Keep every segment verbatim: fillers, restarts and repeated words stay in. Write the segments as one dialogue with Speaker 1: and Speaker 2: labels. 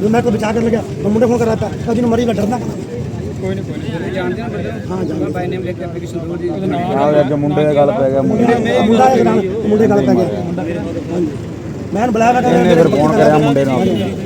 Speaker 1: मैं तो बचा कर लगा मैं मुंडे फोन कर रहा था जिन्होंने मरी मैं डरना
Speaker 2: ਕੋਈ ਨਹੀਂ ਕੋਈ ਨਹੀਂ ਜਾਣਦੇ ਨਾ
Speaker 1: हाँ जान
Speaker 2: ਬਾਈ ਨੇਮ ਲਿਖ ਕੇ ਐਪਲੀਕੇਸ਼ਨ ਜ਼ਰੂਰ ਜੀ
Speaker 3: ਆ ਅੱਗੇ ਮੁੰਡੇ ਦੀ ਗੱਲ ਪੈ ਗਿਆ ਮੁੰਡੇ
Speaker 1: मुंडा एक नाम मुंडे गल पै गया हाँ जी मैं बुलाया मैं
Speaker 3: ਇਹਨੇ ਫਿਰ ਫੋਨ ਕਰਿਆ ਮੁੰਡੇ ਨਾਲ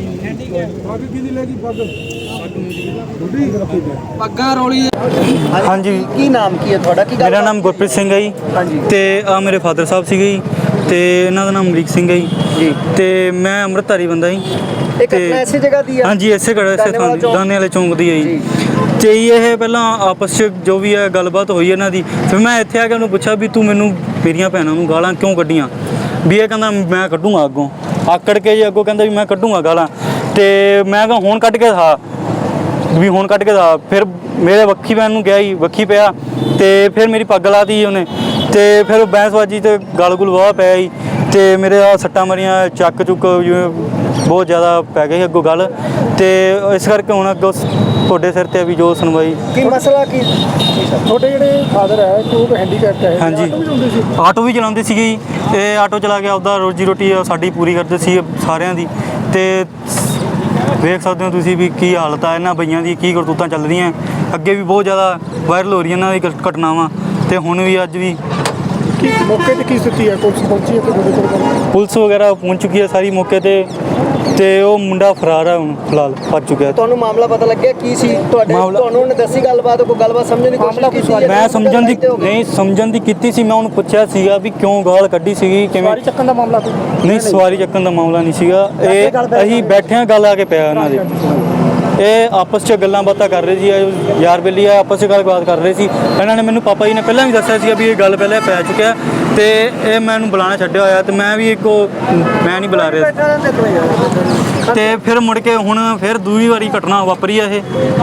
Speaker 2: ਪੱਗਾਂ ਰੋਲੀ
Speaker 4: ਹਾਂਜੀ ਕੀ ਨਾਮ ਕੀ ਹੈ ਤੁਹਾਡਾ ਕੀ ਗੱਲ
Speaker 5: ਮੇਰਾ ਨਾਮ ਗੁਰਪ੍ਰੀਤ ਸਿੰਘ ਹੈ ਜੀ
Speaker 4: ਹਾਂਜੀ
Speaker 5: ਤੇ ਆ ਮੇਰੇ ਫਾਦਰ ਸਾਹਿਬ ਸੀਗੇ ਜੀ ਤੇ ਇਹਨਾਂ ਦਾ ਨਾਮ ਅਮਰੀਕ ਸਿੰਘ ਹੈ ਜੀ
Speaker 4: ਜੀ
Speaker 5: ਤੇ ਮੈਂ ਅੰਮ੍ਰਿਤਧਾਰੀ ਬੰਦਾ ਜੀ
Speaker 4: ਇਹ ਘਟਨਾ ਇਸੇ ਜਗ੍ਹਾ ਦੀ ਆ
Speaker 5: ਹਾਂਜੀ ਇਸੇ ਘੜਾ ਇਸੇ ਥਾਂ ਦੀ ਦਾਨੇ ਵਾਲੇ ਚੌਂਕ ਦੀ ਹੈ ਜੀ ਤੇ ਇਹ ਪਹਿਲਾਂ ਆਪਸ 'ਚ ਜੋ ਵੀ ਹੈ ਗੱਲਬਾਤ ਹੋਈ ਇਹਨਾਂ ਦੀ ਫਿਰ ਮੈਂ ਇੱਥੇ ਆ ਕੇ ਉਹਨੂੰ ਪੁੱਛਿਆ ਵੀ ਤੂੰ ਮੈਨੂੰ ਮੇਰੀਆਂ ਭੈਣਾਂ ਨੂੰ ਗਾਲਾਂ ਕਿਉਂ ਕੱਢੀਆਂ ਵੀ ਇਹ ਕਹਿੰਦਾ ਮੈਂ ਕੱਢੂੰਗਾ ਅੱਗੋਂ ਆਕੜ ਕੇ ਜੀ ਅੱਗੋਂ ਕਹਿੰਦਾ ਵੀ ਮੈਂ ਕੱਢੂੰਗਾ ਗਾਲਾਂ ਤੇ ਮੈਂ ਕਿਹਾ ਹੁਣ ਕੱਢ ਕੇ ਦਿਖਾ ਵੀ ਹੁਣ ਕੱਢ ਕੇ ਦਿਖਾ ਫਿਰ ਮੇਰੇ ਵੱਖੀ ਪੈਣ ਨੂੰ ਗਿਆ ਜੀ ਵੱਖੀ ਪਿਆ ਤੇ ਫਿਰ ਮੇਰੀ ਪੱਗ ਲਾਤੀ ਉਹਨੇ ਤੇ ਫਿਰ ਬੈਂਸਬਾਜੀ ਤੇ ਗਲ ਗੁਲ ਵਾਹ ਪਿਆ ਜੀ ਤੇ ਮੇਰੇ ਆ ਸੱਟਾਂ ਮਰੀਆਂ ਚੱਕ ਚੁੱਕ ਜਿਵੇਂ ਬਹੁਤ ਜ਼ਿਆਦਾ ਪੈ ਗਈ ਅੱਗੋਂ ਗੱਲ ਤੇ ਇਸ ਕਰਕੇ ਹੁਣ ਅੱਗੋਂ ਤੁਹਾਡੇ ਸਿਰ ਤੇ ਵੀ ਜੋ ਸੁਣਵਾਈ
Speaker 4: ਕੀ ਮਸਲਾ ਕੀ
Speaker 1: छोटे ਜਿਹੜੇ ਫਾਦਰ ਹੈ ਉਹ ਹੈਂਡੀਕੈਪਟ ਹੈ
Speaker 5: ਹਾਂਜੀ ਆਟੋ ਵੀ ਚਲਾਉਂਦੇ ਸੀਗੇ ਜੀ ਇਹ ਆਟੋ ਚਲਾ ਕੇ ਆਪਦਾ ਰੋਜੀ ਰੋਟੀ ਸਾਡੀ ਪੂਰੀ ਕਰਦੇ ਸੀ ਸਾਰਿਆਂ ਦੀ ਤੇ ਵੇਖ ਸਕਦੇ ਹੋ ਤੁਸੀਂ ਵੀ ਕੀ ਹਾਲਤ ਆ ਇਹਨਾਂ ਬਈਆਂ ਦੀ ਕੀ ਕਰਤੂਤਾਂ ਚੱਲ ਰਹੀਆਂ ਅੱਗੇ ਵੀ ਬਹੁਤ ਜ਼ਿਆਦਾ ਵਾਇਰਲ ਹੋ ਰਹੀਆਂ ਇਹਨਾਂ ਦੀ ਘਟਨਾਵਾਂ ਤੇ ਹੁਣ ਵੀ ਅੱਜ ਵੀ
Speaker 1: ਕੀ ਮੌਕੇ ਤੇ ਕੀ ਸਥਿਤੀ ਹੈ ਪੁਲਿਸ ਪਹੁੰਚੀ ਹੈ ਤੇ ਤੁਹਾਡੇ ਕੋਲ
Speaker 5: ਪੁਲਿਸ ਵਗੈਰਾ ਪਹੁੰਚ ਚੁੱਕੀ ਹੈ ਸਾਰੀ ਮੌਕੇ ਤੇ ਤੇ ਉਹ ਮੁੰਡਾ ਫਰਾਰ ਹੈ ਹੁਣ ਫਿਲਹਾਲ ਫੜ ਚੁੱਕਿਆ
Speaker 4: ਤੁਹਾਨੂੰ ਮਾਮਲਾ ਪਤਾ ਲੱਗਿਆ ਕੀ ਸੀ ਤੁਹਾਡੇ
Speaker 5: ਮਾਮਲਾ-
Speaker 4: ਤੁਹਾਨੂੰ ਉਹਨੇ ਦੱਸੀ ਗੱਲਬਾਤ ਕੋਈ ਗੱਲਬਾਤ ਸਮਝਣ ਦੀ ਕੋਸ਼ਿਸ਼ ਕੀਤੀ ਜਾਂ
Speaker 5: ਮੈਂ ਸਮਝਣ ਦੀ
Speaker 4: ਕਿਤੇ ਹੋ ਗਏ?
Speaker 5: ਨਹੀਂ ਸਮਝਣ ਦੀ ਕੀਤੀ ਸੀ ਮੈਂ ਉਹਨੂੰ ਪੁੱਛਿਆ ਸੀਗਾ ਵੀ ਕਿਉਂ ਗਾਲ ਕੱਢੀ ਸੀਗੀ ਕਿਵੇਂ
Speaker 1: ਸਵਾਰੀ ਚੱਕਣ ਦਾ ਮਾਮਲਾ ਕੋਈ
Speaker 5: ਨਹੀਂ ਸਵਾਰੀ ਚੱਕਣ ਦਾ ਮਾਮਲਾ ਨਹੀਂ ਸੀਗਾ ਇਹ ਅਸੀਂ ਬੈਠਿਆਂ ਗੱਲ ਆ ਕੇ ਪਿਆ ਇਹਨਾਂ ਦੇ ਇਹ ਆਪਸ 'ਚ ਗੱਲਾਂ ਬਾਤਾਂ ਕਰ ਰਹੇ ਸੀ ਇਹ ਯਾਰ ਬੇਲੀ ਆ ਆਪਸ 'ਚ ਗੱਲਬਾਤ ਕਰ ਰਹੇ ਸੀ ਇਹਨਾਂ ਨੇ ਮੈਨੂੰ ਪਾਪਾ ਜੀ ਨੇ ਪਹਿਲਾਂ ਵੀ ਦੱਸਿਆ ਸੀਗਾ ਵੀ ਇਹ ਗੱਲ ਪਹਿਲਾਂ ਪੈ ਚੁੱਕਿਆ ਤੇ ਇਹ ਮੈਨੂੰ ਬੁਲਾਉਣਾ ਛੱਡਿਆ ਹੋਇਆ ਤੇ ਮੈਂ ਵੀ ਇੱਕੋ ਮੈਂ ਨਹੀਂ ਬੁਲਾ ਰਿਹਾ ਤੇ ਫਿਰ ਮੁੜ ਕੇ ਹੁਣ ਫਿਰ ਦੂਜੀ ਵਾਰੀ ਘਟਨਾ ਵਾਪਰੀ ਆ ਇਹ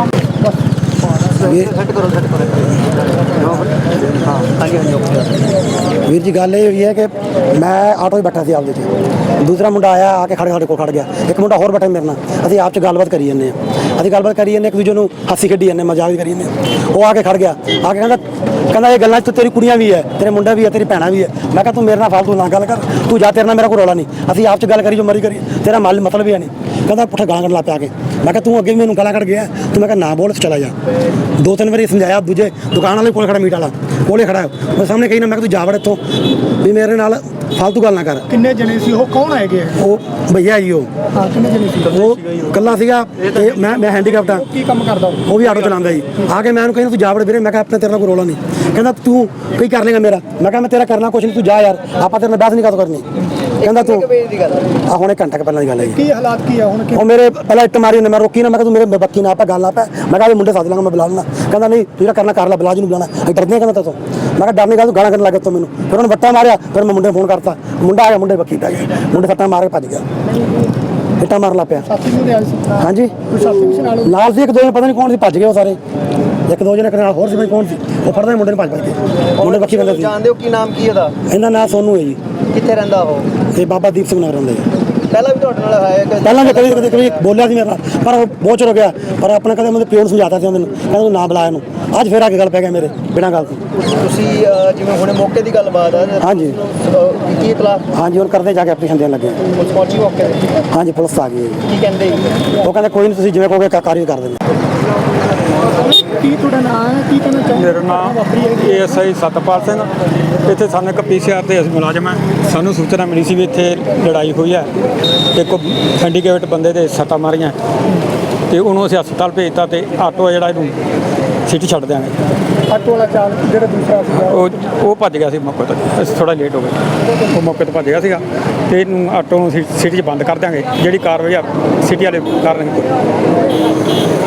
Speaker 1: ਵੀਰ ਜੀ ਗੱਲ ਇਹ ਹੋਈ ਹੈ ਕਿ ਮੈਂ ਆਟੋ 'ਚ ਬੈਠਾ ਸੀ ਆਪਦੇ 'ਚ ਦੂਸਰਾ ਮੁੰਡਾ ਆਇਆ ਆ ਕੇ ਖੜੇ ਸਾਡੇ ਕੋਲ ਖੜ ਗਿਆ ਇੱਕ ਮੁੰਡਾ ਹੋਰ ਬੈਠਾ ਮੇਰੇ ਨਾਲ ਅਸੀਂ ਆਪ 'ਚ ਗੱਲਬਾਤ ਕਰੀ ਜਾਂਦੇ ਹਾਂ ਅਸੀਂ ਗੱਲਬਾਤ ਕਰੀ ਜਾਂਦੇ ਇੱਕ ਦੂਜੇ ਨੂੰ ਹਾਸੀ ਖੇਡੀ ਜਾਂਦੇ ਮਜ਼ਾਕ ਵੀ ਕਰੀ ਜਾਂਦੇ ਉਹ ਆ ਕੇ ਖੜ ਗਿਆ ਆ ਕੇ ਕਹਿੰਦਾ ਕਹਿੰਦਾ ਇਹ ਗੱਲਾਂ 'ਚ ਤੇਰੀ ਕੁੜੀਆਂ ਵੀ ਹੈ ਤੇਰੇ ਮੁੰਡਾ ਵੀ ਹੈ ਤੇਰੀ ਭੈਣਾਂ ਵੀ ਹੈ ਮੈਂ ਕਿਹਾ ਤੂੰ ਮੇਰੇ ਨਾਲ ਫਾਲਤੂ ਨਾ ਗੱਲ ਕਰ ਤੂੰ ਜਾ ਤੇਰੇ ਨਾਲ ਮੇਰਾ ਕੋਈ ਰੌਲਾ ਨਹੀਂ ਅਸੀਂ ਆਪ 'ਚ ਗੱਲ ਕਰੀ ਜੋ ਮਰੀ ਕਰੀ ਤੇਰਾ ਮਲ ਮਤਲਬ ਹੀ ਹੈ ਨਹੀਂ ਕਹਿੰਦਾ ਪੁੱਠਾ ਗਾਲਾਂ ਕੱਢ ਲਾ ਪਿਆ ਕੇ ਮੈਂ ਕਿਹਾ ਤੂੰ ਅੱਗੇ ਵੀ ਮੈਨੂੰ ਗਾਲਾਂ ਕੱਢ ਗਿਆ ਤੂੰ ਮੈਂ ਕਿਹਾ ਨਾ ਬੋਲ ਚਲਾ ਜਾ ਦੋ ਤਿੰਨ ਵਾਰੀ ਸਮਝਾਇਆ ਦੂਜੇ ਦੁਕਾਨ ਵਾਲੇ ਕੋਲ ਖੜਾ ਮੀਟ ਵਾਲਾ ਕੋਲੇ ਖੜਾ ਮੈਂ ਸਾਹਮਣੇ ਕਹੀ ਨਾ ਮੈਂ ਕਿਹਾ ਤੂੰ ਜਾ ਵੜ ਇੱਥੋਂ ਵੀ ਮੇਰੇ ਨਾਲ ਫਾਲਤੂ ਗੱਲ ਨਾ ਕਰ
Speaker 6: ਕਿੰਨੇ ਜਣੇ ਸੀ ਉਹ ਕੌਣ ਹੈਗੇ
Speaker 1: ਉਹ ਭਈਆ ਜੀ ਉਹ
Speaker 6: ਹਾਂ ਕਿੰਨੇ ਜਣੇ ਸੀ
Speaker 1: ਉਹ ਇਕੱਲਾ ਸੀਗਾ ਤੇ ਮੈਂ ਮੈਂ ਹੈਂਡੀਕੈਪਟ ਹਾਂ
Speaker 6: ਕੀ ਕੰਮ ਕਰਦਾ ਉਹ?
Speaker 1: ਉਹ ਵੀ ਆਟੋ ਚਲਾਉਂਦਾ ਜੀ ਆ ਕੇ ਮੈਂ ਉਹਨੂੰ ਕਹਿੰਦਾ ਤੂੰ ਜਾ ਵੜ ਵੀਰੇ ਮੈਂ ਕਿਹਾ ਆਪਣੇ ਤੇਰੇ ਨਾਲ ਕੋਈ ਰੌਲਾ ਨਹੀਂ ਕਹਿੰਦਾ ਤੂੰ ਕੀ ਕਰ ਲੇਗਾ ਮੇਰਾ ਮੈਂ ਕਿਹਾ ਮੈਂ ਤੇਰਾ ਕਰਨਾ ਕੁਛ ਨਹੀਂ ਤੂੰ ਜਾ ਯਾਰ ਆਪਾਂ ਤੇਰੇ ਨਾਲ ਬਹਿਸ ਨਹੀਂ ਕਰ ਕਰਨੀ ਕਹਿੰਦਾ ਤੂੰ
Speaker 4: ਕਿੰਨੇ ਕੁ ਵਜੇ ਦੀ ਗੱਲ
Speaker 1: ਆ ਹੁਣੇ ਘੰਟਾ ਕੁ ਪਹਿਲਾਂ ਦੀ ਗੱਲ ਹੈ ਜੀ
Speaker 6: ਕੀ ਹਾਲਾਤ ਕੀ ਆ ਹੁਣ ਕਿ
Speaker 1: ਉਹ ਮੇਰੇ ਪਹਿਲਾਂ ਇੱਟ ਮਾਰੀ ਉਹਨੇ ਮੈਂ ਰੋਕੀ ਨਾ ਮੈਂ ਕਿਹਾ ਤੂੰ ਮੇਰੇ ਬੱਕੀ ਨਾ ਆਪਾ ਗੱਲ ਨਾ ਪੈ ਮੈਂ ਕਿਹਾ ਇਹ ਮੁੰਡੇ ਸੱਦ ਲਾਂਗਾ ਮੈਂ ਬੁਲਾ ਲੈਣਾ ਕਹਿੰਦਾ ਨਹੀਂ ਤੂੰ ਜਿਹੜਾ ਕਰਨਾ ਕਰ ਲੈ ਬੁਲਾ ਜੀ ਨੂੰ ਬੁਲਾਣਾ ਅਸੀਂ ਡਰਦੇ ਕਹਿੰਦਾ ਤੂੰ ਮੈਂ ਕਿਹਾ ਡਰ ਨਹੀਂ ਗਾ ਤੂੰ ਗਾਲਾਂ ਕੱਢਣ ਲੱਗ ਤੂੰ ਮੈਨੂੰ ਫਿਰ ਉਹਨੇ ਵੱਟਾ ਮਾਰਿਆ ਫਿਰ ਮੈਂ ਮੁੰਡੇ ਨੂੰ ਫੋਨ ਕਰਤਾ ਮੁੰਡਾ ਆਇਆ ਮੁੰਡੇ ਬੱਕੀ ਪੈ ਗਿਆ ਮੁੰਡੇ ਸੱਟਾਂ ਮਾਰ ਕੇ ਭੱਜ ਗਿਆ ਇੱਟਾਂ ਮਾਰਨ ਲੱਗ ਪਿਆ
Speaker 6: ਸਾਥੀ ਨੂੰ ਲਿਆ ਸੀ
Speaker 1: ਹਾਂਜੀ
Speaker 6: ਕੋਈ ਸਾਥੀ ਸੀ ਨਾਲ
Speaker 1: ਨਾਲ ਸੀ ਇੱਕ ਦੋ ਜਣੇ ਪਤਾ ਨਹੀਂ ਕੌਣ ਸੀ ਭੱਜ ਗਏ ਉਹ ਸਾਰੇ ਇੱਕ ਦੋ ਜਣੇ ਨਾਲ ਹੋਰ ਸੀ ਕੌਣ ਸੀ ਉਹ ਫੜਦੇ ਮੁੰਡੇ ਨੂੰ ਭੱਜ ਭੱਜ ਗਏ ਮੁੰਡੇ ਬੱਕੀ ਕਹਿੰਦੇ ਸੀ
Speaker 4: ਜਾਣਦੇ ਹੋ ਕੀ ਨਾਮ ਕੀ ਉਹਦਾ
Speaker 1: ਇਹਦਾ ਨਾਂ ਸੋਨੂ ਹੈ ਜੀ
Speaker 4: ਕਿੱਥੇ ਰਹਿੰਦਾ ਉਹ
Speaker 1: ਤੇ ਬਾਬਾ ਦੀਪ ਸਿੰਘ ਨਗਰ ਰਹਿੰਦੇ ਜੀ
Speaker 4: ਪਹਿਲਾਂ ਵੀ ਤੁਹਾਡੇ ਨਾਲ ਹੈ ਕਿ
Speaker 1: ਪਹਿਲਾਂ ਵੀ ਕਦੇ ਕਦੇ ਕਦੇ ਬੋਲਿਆ ਸੀ ਮੇਰੇ ਨਾਲ ਪਰ ਉਹ ਬਹੁਤ ਚਿਰ ਹੋ ਗਿਆ ਪਰ ਆਪਣੇ ਕਦੇ ਮੇਰੇ ਪਿਓ ਨੂੰ ਸਮਝਾਤਾ ਸੀ ਮੈਨੂੰ ਕਹਿੰਦਾ ਤੂੰ ਨਾ ਬੁਲਾ ਇਹਨੂੰ ਅੱਜ ਫੇਰ ਆ ਕੇ ਗੱਲ ਪੈ ਗਿਆ ਮੇਰੇ ਬਿਨਾਂ ਗੱਲ ਤੋਂ
Speaker 4: ਤੁਸੀਂ ਅਹ, ਜਿਵੇਂ ਹੁਣੇ ਮੌਕੇ ਦੀ ਗੱਲਬਾਤ ਆ
Speaker 1: ਹਾਂਜੀ।
Speaker 4: ਅਹ, ਕੀ ਇਤਲਾਹ
Speaker 1: ਹਾਂਜੀ ਹੁਣ ਕਰਦੇ ਜਾ ਕੇ ਐਪਲੀਕੇਸ਼ਨ ਦੇਣ ਲੱਗੇ ਹਾਂ।
Speaker 4: ਪੁਲਿਸ ਪਹੁੰਚੀ ਮੌਕੇ ਤੇ
Speaker 1: ਹਾਂਜੀ ਪੁਲਿਸ ਆ ਗਈ ਹੈ ਜੀ।
Speaker 4: ਕੀ ਕਹਿੰਦੇ ਜੀ?
Speaker 1: ਉਹ ਕਹਿੰਦੇ ਕੋਈ ਨਹੀਂ ਤੁਸੀਂ ਜਿਵੇਂ ਕਹੋਗੇ ਕਾਰਵਾਈ ਕਰ ਦਿੰਦੇ
Speaker 6: ਕੀ ਤੁਹਾਡਾ ਨਾਮ ਹੈ ਕੀ ਕਹਿਣਾ ਚਾਹੁੰਦੇ
Speaker 3: ਮੇਰਾ ਨਾਮ A S I Satpal Singh ਇੱਥੇ ਸਾਨੂੰ ਇੱਕ ਪੀ ਸੀ ਆਰ ਤੇ ਅਸੀਂ ਮੁਲਾਜ਼ਮ ਹਾਂ ਸਾਨੂੰ ਸੂਚਨਾ ਮਿਲੀ ਸੀ ਵੀ ਇੱਥੇ ਲੜਾਈ ਹੋਈ ਹੈ ਇੱਕ ਹੈਂਡੀਕੈਪਟ ਬੰਦੇ ਦੇ ਸੱਟਾਂ ਮਾਰੀਆਂ ਤੇ ਉਹਨੂੰ ਅਸੀਂ ਹਸਪਤਾਲ ਭੇਜਤਾ ਤੇ ਆਟੋ ਜਿਹੜਾ ਇਹਨੂੰ ਸਿਟੀ ਛੱਡ ਦਿਆਂਗੇ
Speaker 6: ਆਟੋ ਵਾਲਾ ਚਾਲਕ ਜਿਹੜਾ ਦੂਸਰਾ ਸੀਗਾ
Speaker 3: ਉਹ ਉਹ ਭੱਜ ਗਿਆ ਸੀ ਮੌਕੇ ਤੋਂ ਅਸੀਂ ਥੋੜਾ ਲੇਟ ਹੋ ਗਏ ਉਹ ਮੌਕੇ ਤੋਂ ਭੱਜ ਗਿਆ ਸੀਗਾ ਤੇ ਇਹਨੂੰ ਆਟੋ ਨੂੰ ਸਿਟੀ 'ਚ ਬੰਦ ਕਰ ਦਿਆਂਗੇ ਜਿਹੜੀ ਕਾਰਵਾਈ ਆ ਸਿਟੀ ਵਾਲੇ ਕਰਨਗੇ